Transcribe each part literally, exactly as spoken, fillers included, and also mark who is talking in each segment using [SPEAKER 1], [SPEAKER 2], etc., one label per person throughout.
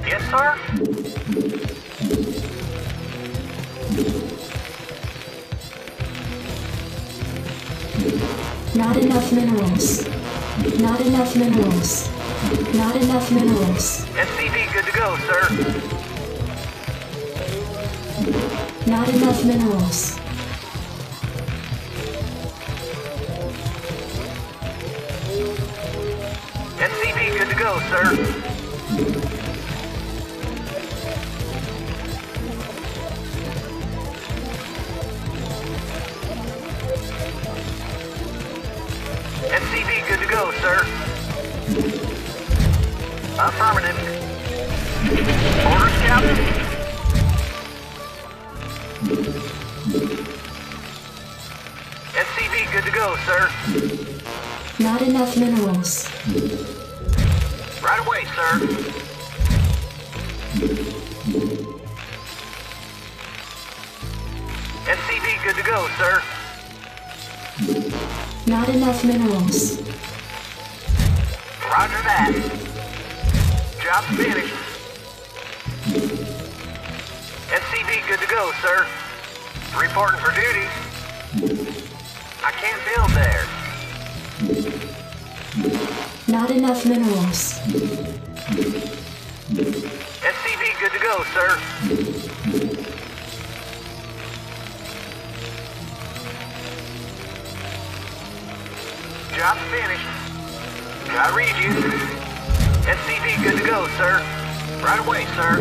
[SPEAKER 1] Yes, sir.
[SPEAKER 2] Not enough minerals. Not enough minerals. Not enough minerals.
[SPEAKER 1] S C V good to go, sir.
[SPEAKER 2] Not enough minerals.
[SPEAKER 1] S C V good to go, sir. S C V good to go, sir. Affirmative. Orders, Captain. S C V good to go, sir.
[SPEAKER 2] Not enough minerals.
[SPEAKER 1] Right away, sir. S C V good to go, sir.
[SPEAKER 2] Not enough minerals.
[SPEAKER 1] Roger that. Job's finished. S C V good to go, sir. Reporting for duty. I can't build there.
[SPEAKER 2] Not enough minerals.
[SPEAKER 1] S C V good to go, sir. Job's finished. I read you. S C V good to go, sir. Right away, sir.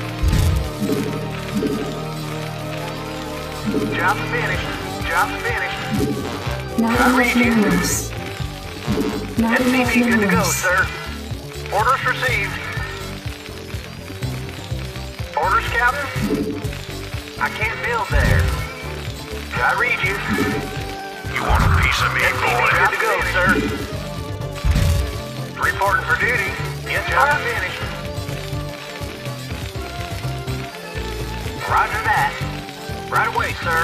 [SPEAKER 1] Job's finished. Job's finished.
[SPEAKER 2] Not
[SPEAKER 1] I
[SPEAKER 2] enough
[SPEAKER 1] read you.
[SPEAKER 2] minerals. Not enough
[SPEAKER 1] S C V good to go,
[SPEAKER 2] minerals.
[SPEAKER 1] sir. Orders received. Orders, Captain? I can't build there. I read you.
[SPEAKER 3] You want a piece of me,
[SPEAKER 1] S C V
[SPEAKER 3] boy?
[SPEAKER 1] good to go, sir. Reporting for duty. Yes, job finished. Roger that. Right away, sir.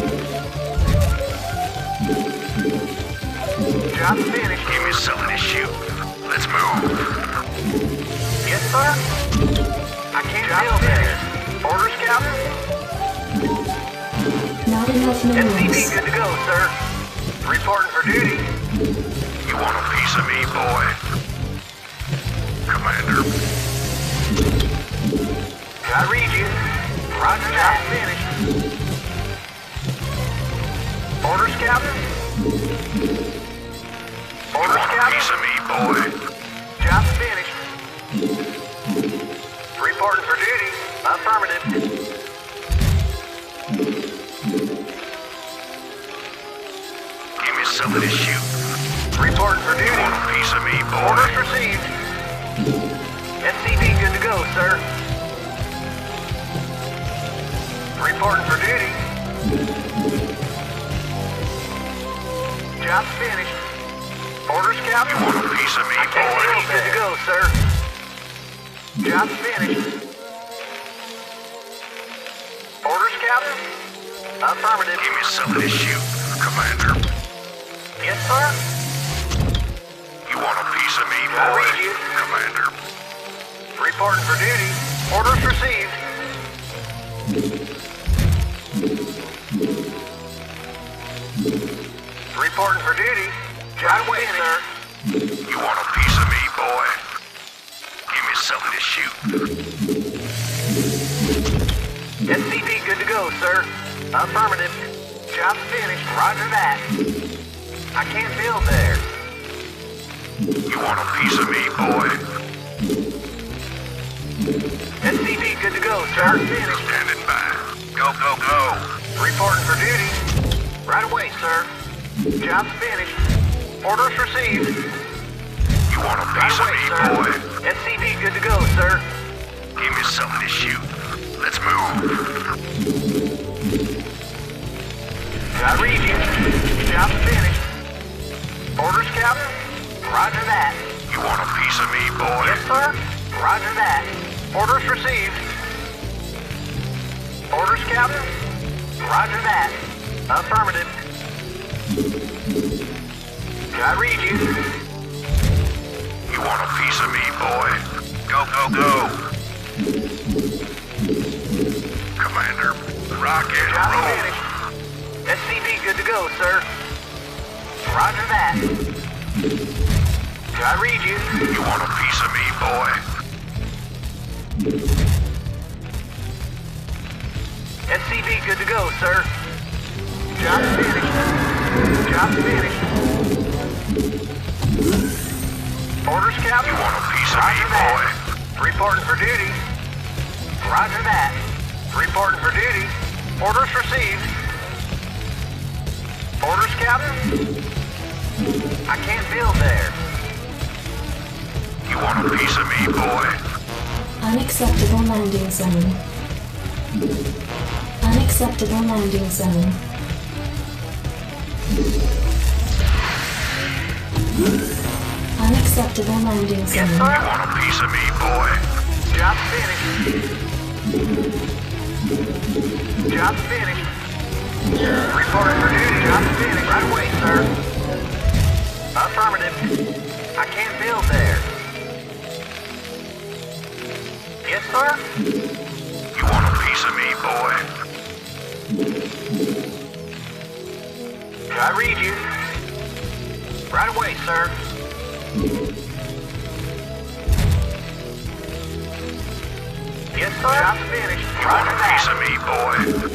[SPEAKER 1] Job's finished.
[SPEAKER 3] Give me something to shoot. Let's move.
[SPEAKER 1] Yes, sir. I can't build there. Orders, Captain?
[SPEAKER 2] Not enough
[SPEAKER 1] S C V
[SPEAKER 2] minerals.
[SPEAKER 1] good to go, sir. Reporting for duty.
[SPEAKER 3] You want a piece of me, boy? Commander.
[SPEAKER 1] I read you. Roger that. Finished. Orders, Captain?
[SPEAKER 3] You
[SPEAKER 1] Orders,
[SPEAKER 3] want a
[SPEAKER 1] Captain?
[SPEAKER 3] piece of me, boy?
[SPEAKER 1] Job's finished. Reporting for duty. Affirmative.
[SPEAKER 3] Give me something to shoot.
[SPEAKER 1] Reporting for
[SPEAKER 3] You
[SPEAKER 1] duty.
[SPEAKER 3] want a piece of me,
[SPEAKER 1] Orders
[SPEAKER 3] boy?
[SPEAKER 1] received. S C V good to go, sir. Reporting for duty. Job's finished. Orders,
[SPEAKER 3] You
[SPEAKER 1] Captain?
[SPEAKER 3] want a piece of me,
[SPEAKER 1] I can't
[SPEAKER 3] boy?
[SPEAKER 1] build good to go, sir. Job's finished. Orders, Captain? Affirmative.
[SPEAKER 3] Give me something to shoot, Commander.
[SPEAKER 1] Yes, sir.
[SPEAKER 3] You want a piece of me,
[SPEAKER 1] I
[SPEAKER 3] boy?
[SPEAKER 1] read you.
[SPEAKER 3] Commander.
[SPEAKER 1] Reporting for duty. Orders received. Reporting for duty. Right away, sir.
[SPEAKER 3] You want a piece of me, boy? Give me something to shoot.
[SPEAKER 1] S C V good to go, sir. Affirmative. Job's finished. Roger that. I can't build there.
[SPEAKER 3] You want a piece of me, boy?
[SPEAKER 1] S C V good to go, sir. Finished.
[SPEAKER 3] Standing by. Go, go, go.
[SPEAKER 1] Reporting for duty. Right away, sir. Job's finished. Orders received.
[SPEAKER 3] You want a
[SPEAKER 1] Right
[SPEAKER 3] piece of
[SPEAKER 1] away,
[SPEAKER 3] me,
[SPEAKER 1] sir.
[SPEAKER 3] boy?
[SPEAKER 1] S C V good to go, sir.
[SPEAKER 3] Give me something to shoot. Let's move.
[SPEAKER 1] I read you. Job's finished. Orders, Captain? Roger that.
[SPEAKER 3] You want a piece of me, boy?
[SPEAKER 1] Yes, sir. Roger that. Orders received. Orders, Captain? Roger that. Affirmative. I read you.
[SPEAKER 3] You want a piece of me, boy? Go, go, go. Commander, rock and
[SPEAKER 1] Job
[SPEAKER 3] roll.
[SPEAKER 1] finished. S C V good to go, sir. Roger that. Can I read you?
[SPEAKER 3] You want a piece of me, boy?
[SPEAKER 1] S C V good to go, sir. Job finished. Job finished. Orders, Captain?
[SPEAKER 3] You want a piece of
[SPEAKER 1] Roger
[SPEAKER 3] me,
[SPEAKER 1] that.
[SPEAKER 3] boy?
[SPEAKER 1] Reporting for duty. Roger that. Reporting for duty. Orders received. Orders, Captain? I can't build there.
[SPEAKER 3] You want a piece of me, boy?
[SPEAKER 2] Unacceptable landing zone. Unacceptable landing zone. Unacceptable landing
[SPEAKER 1] Yes,
[SPEAKER 2] zone.
[SPEAKER 3] You
[SPEAKER 1] sir.
[SPEAKER 3] want a piece of me, boy?
[SPEAKER 1] Job finished. Job finished. Reporting for duty. Job finished. Right away, sir. Affirmative. I can't build there. Yes, sir.
[SPEAKER 3] You want a piece of me, boy?
[SPEAKER 1] Can I read you? Right away, sir. Yes, sir. Job finished.
[SPEAKER 3] You want
[SPEAKER 1] Roger
[SPEAKER 3] a piece
[SPEAKER 1] that.
[SPEAKER 3] of me, boy?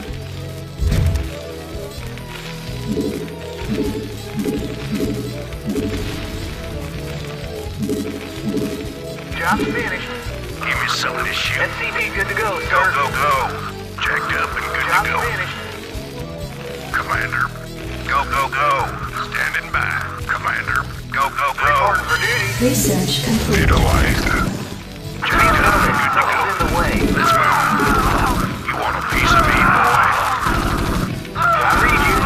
[SPEAKER 1] Job finished.
[SPEAKER 3] Give me some of this shit.
[SPEAKER 1] S C V good to go,
[SPEAKER 3] Go,
[SPEAKER 1] sir.
[SPEAKER 3] go, go. Checked up and good
[SPEAKER 1] Job
[SPEAKER 3] to go.
[SPEAKER 1] finished.
[SPEAKER 3] Commander, go, go, go. Standing by. Commander, go, go, go.
[SPEAKER 1] Reporting for duty.
[SPEAKER 2] Research complete.
[SPEAKER 3] Need a light. Checked up and good to go.
[SPEAKER 1] Something's in the way.
[SPEAKER 3] Let's move. You want a piece of me, boy?
[SPEAKER 1] Can I read you?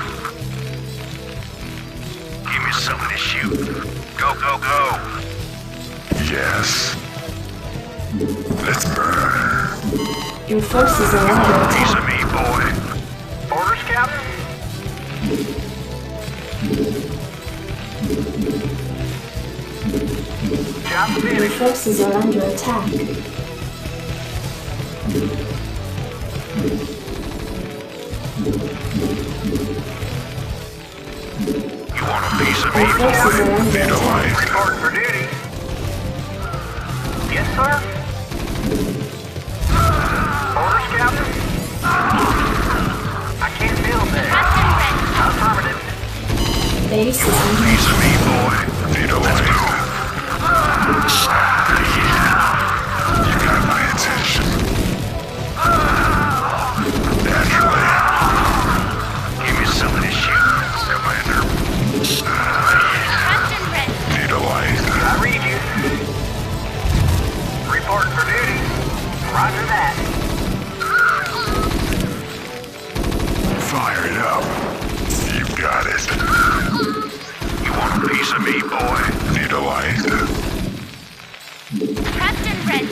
[SPEAKER 3] Give me some of this shoot. Go, go, go. Yes. Let's burn.
[SPEAKER 2] Your forces are
[SPEAKER 3] You
[SPEAKER 2] under
[SPEAKER 3] want a piece
[SPEAKER 2] attack.
[SPEAKER 3] of me, boy?
[SPEAKER 1] Orders, Captain? Job
[SPEAKER 2] Your
[SPEAKER 1] finished.
[SPEAKER 2] forces are under attack.
[SPEAKER 3] You want a piece of me,
[SPEAKER 2] Your forces are
[SPEAKER 3] boy?
[SPEAKER 2] under
[SPEAKER 3] Need a
[SPEAKER 2] attack.
[SPEAKER 3] light.
[SPEAKER 1] Reporting for duty. Yes, sir. Orders, Captain? I can't build there. Affirmative.
[SPEAKER 2] Base is under
[SPEAKER 3] Piece of
[SPEAKER 2] attack.
[SPEAKER 3] me, boy. Need a light. You got my attention. Naturally. Give me some of this shit, Commander. Need a light.
[SPEAKER 1] Can I read you? Reporting for duty. Roger that.
[SPEAKER 3] Fire it up. You got it. You want a piece of me, boy? Need a light.
[SPEAKER 4] Captain Red.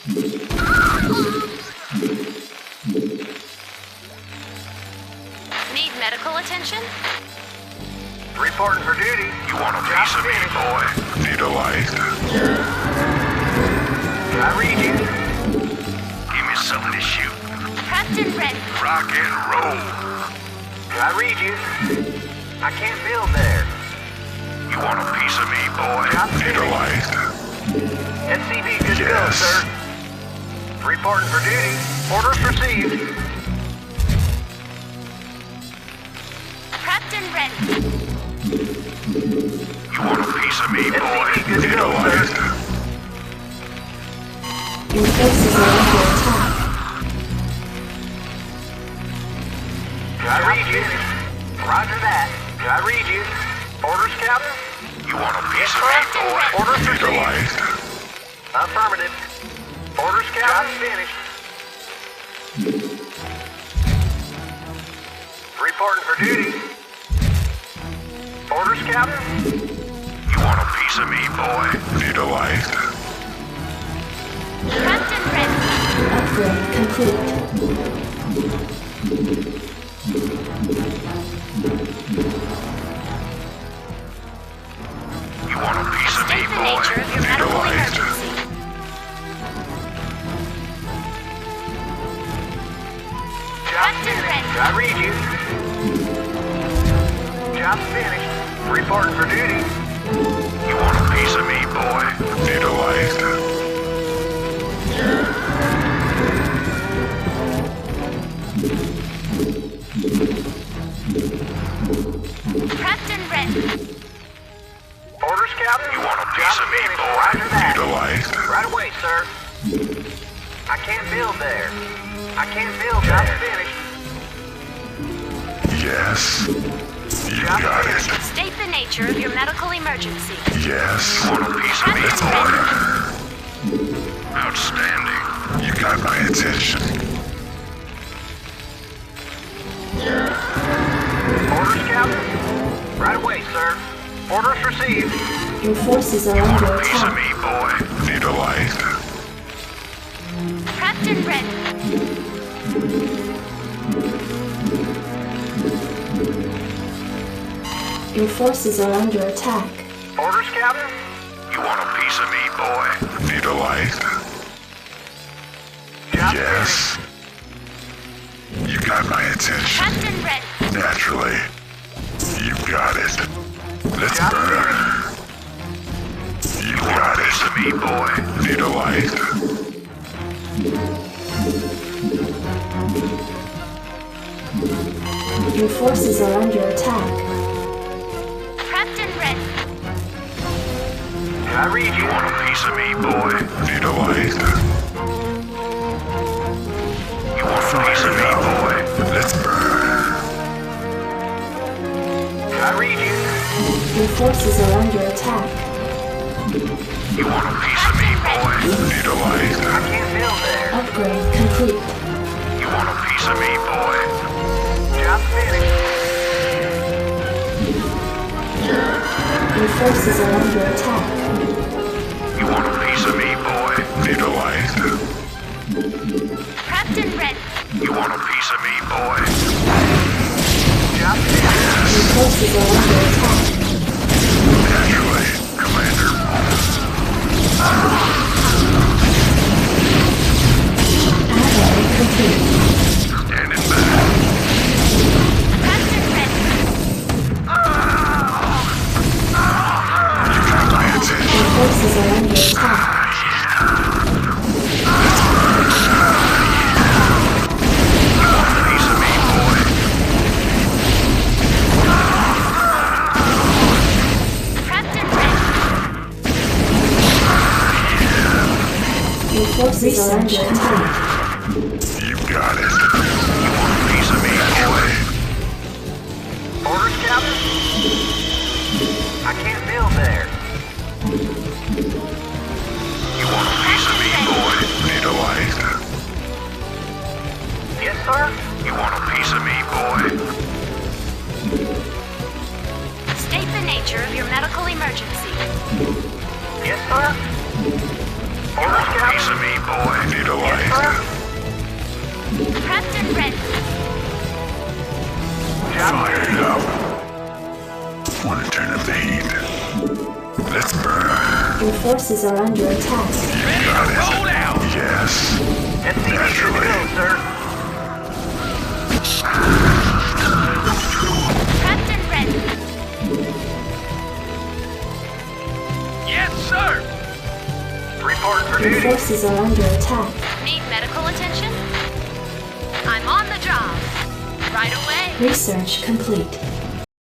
[SPEAKER 4] Need medical attention?
[SPEAKER 1] Reporting for duty.
[SPEAKER 3] You want a
[SPEAKER 1] Job
[SPEAKER 3] piece of me,
[SPEAKER 1] finished.
[SPEAKER 3] boy? Need a light.
[SPEAKER 1] Can I read you?
[SPEAKER 3] Give me some of this shoot.
[SPEAKER 4] Captain Red.
[SPEAKER 3] Rock and roll.
[SPEAKER 1] Can I read you? I can't build there.
[SPEAKER 3] You want a piece of me, boy?
[SPEAKER 1] Job
[SPEAKER 3] Need a
[SPEAKER 1] finished.
[SPEAKER 3] light.
[SPEAKER 1] S C V good to go,
[SPEAKER 3] Yes.
[SPEAKER 1] sir. Reporting for duty. Orders received.
[SPEAKER 4] Captain Red.
[SPEAKER 3] You want a piece of me,
[SPEAKER 1] S
[SPEAKER 3] boy?
[SPEAKER 1] C V good to
[SPEAKER 3] Need a
[SPEAKER 1] go,
[SPEAKER 3] light.
[SPEAKER 1] sir.
[SPEAKER 2] Your forces are under attack.
[SPEAKER 1] Can I read you? Roger that. Can I read you? Orders, Captain?
[SPEAKER 3] You want a piece
[SPEAKER 1] Yes,
[SPEAKER 3] of
[SPEAKER 1] sir.
[SPEAKER 3] me, boy?
[SPEAKER 1] Orders
[SPEAKER 3] Need a
[SPEAKER 1] received.
[SPEAKER 3] light.
[SPEAKER 1] Affirmative. Orders, Captain? Job finished. Reporting for duty. Orders, Captain?
[SPEAKER 3] You want a piece of me, boy? Need a light.
[SPEAKER 4] Captain Red.
[SPEAKER 2] Upgrade complete.
[SPEAKER 3] You want a piece of me,
[SPEAKER 4] State the
[SPEAKER 3] boy?
[SPEAKER 4] nature of your
[SPEAKER 3] Need a
[SPEAKER 4] medical
[SPEAKER 3] light.
[SPEAKER 4] emergency.
[SPEAKER 1] I read you. Job's finished. Reporting for duty.
[SPEAKER 3] You want a piece of me, boy? Need a light?
[SPEAKER 4] Prepped and ready.
[SPEAKER 1] Orders, Captain?
[SPEAKER 3] You want a piece
[SPEAKER 1] Job's
[SPEAKER 3] of me,
[SPEAKER 1] finished.
[SPEAKER 3] boy?
[SPEAKER 1] Roger that.
[SPEAKER 3] Need a light?
[SPEAKER 1] Right away, sir. I can't build there. I can't build Job's there. Finished.
[SPEAKER 3] Yes. You
[SPEAKER 1] Job's
[SPEAKER 3] got
[SPEAKER 1] finished.
[SPEAKER 3] it.
[SPEAKER 4] State the nature of your medical emergency.
[SPEAKER 3] Yes. Want a piece of me,
[SPEAKER 4] Prepped and ready.
[SPEAKER 3] boy? Outstanding. You got my attention.
[SPEAKER 1] Orders, Captain? Right away, sir. Orders received.
[SPEAKER 2] Your forces are
[SPEAKER 3] Want
[SPEAKER 2] under
[SPEAKER 3] a piece of
[SPEAKER 2] attack.
[SPEAKER 3] me, boy? Need a light?
[SPEAKER 4] Prepped and ready.
[SPEAKER 2] Your forces are under attack.
[SPEAKER 1] Orders, Captain?
[SPEAKER 3] You want a piece of me, boy? Need a light?
[SPEAKER 1] Job's
[SPEAKER 3] Yes. You got my attention.
[SPEAKER 4] Prepped and ready.
[SPEAKER 3] Naturally. You got it. Let's
[SPEAKER 1] Job's
[SPEAKER 3] burn.
[SPEAKER 1] finished.
[SPEAKER 3] You got it. To me, boy. Need a light?
[SPEAKER 2] Your forces are under attack.
[SPEAKER 4] Prepped and ready.
[SPEAKER 1] I read
[SPEAKER 3] You
[SPEAKER 1] you.
[SPEAKER 3] want a piece of me, boy? Need a light? You want a piece of me, boy? Let's burn.
[SPEAKER 1] I read you.
[SPEAKER 2] Your forces are under attack.
[SPEAKER 3] You want a piece of me, boy? Need a
[SPEAKER 1] I
[SPEAKER 3] light?
[SPEAKER 1] can't build there.
[SPEAKER 2] Upgrade complete.
[SPEAKER 3] You want a piece of me, boy?
[SPEAKER 1] Job's finished.
[SPEAKER 2] Your forces are under attack.
[SPEAKER 3] You want a piece of me, boy? Need a light?
[SPEAKER 4] Prepped and ready.
[SPEAKER 3] You want a piece of me, boy?
[SPEAKER 1] Job's finished.
[SPEAKER 2] Your forces are under attack.
[SPEAKER 3] Naturally, Commander.
[SPEAKER 2] Alloy complete.
[SPEAKER 3] Standing back.
[SPEAKER 4] Prepped and ready.
[SPEAKER 3] You got my attention.
[SPEAKER 2] Your forces are under attack.
[SPEAKER 3] Piece of me, boy.
[SPEAKER 4] Prepped and ready.
[SPEAKER 2] Your forces are under attack.
[SPEAKER 3] You got it. You want a piece of me, boy?
[SPEAKER 1] Orders, Captain? I can't build there.
[SPEAKER 3] You want a piece of me, boy? Need a light?
[SPEAKER 1] Yes, sir?
[SPEAKER 3] You want a piece of me, boy?
[SPEAKER 4] State the nature of your medical emergency.
[SPEAKER 1] Yes, sir?
[SPEAKER 3] You
[SPEAKER 1] Orders,
[SPEAKER 3] want a piece
[SPEAKER 1] Captain?
[SPEAKER 3] of me, boy? Need a
[SPEAKER 1] Yes,
[SPEAKER 3] light?
[SPEAKER 1] sir?
[SPEAKER 4] Prepped and ready.
[SPEAKER 1] Job's
[SPEAKER 3] Fire
[SPEAKER 1] finished.
[SPEAKER 3] it up. Want to turn up the heat? Let's burn.
[SPEAKER 2] Your forces are under attack.
[SPEAKER 3] You got it. Yes.
[SPEAKER 1] S C V good to go, sir.
[SPEAKER 4] Prepped and ready.
[SPEAKER 3] Yes, sir.
[SPEAKER 1] Reporting for
[SPEAKER 2] Your
[SPEAKER 1] duty.
[SPEAKER 2] forces are under attack.
[SPEAKER 4] Need medical attention? I'm on the job. Right away.
[SPEAKER 2] Research complete.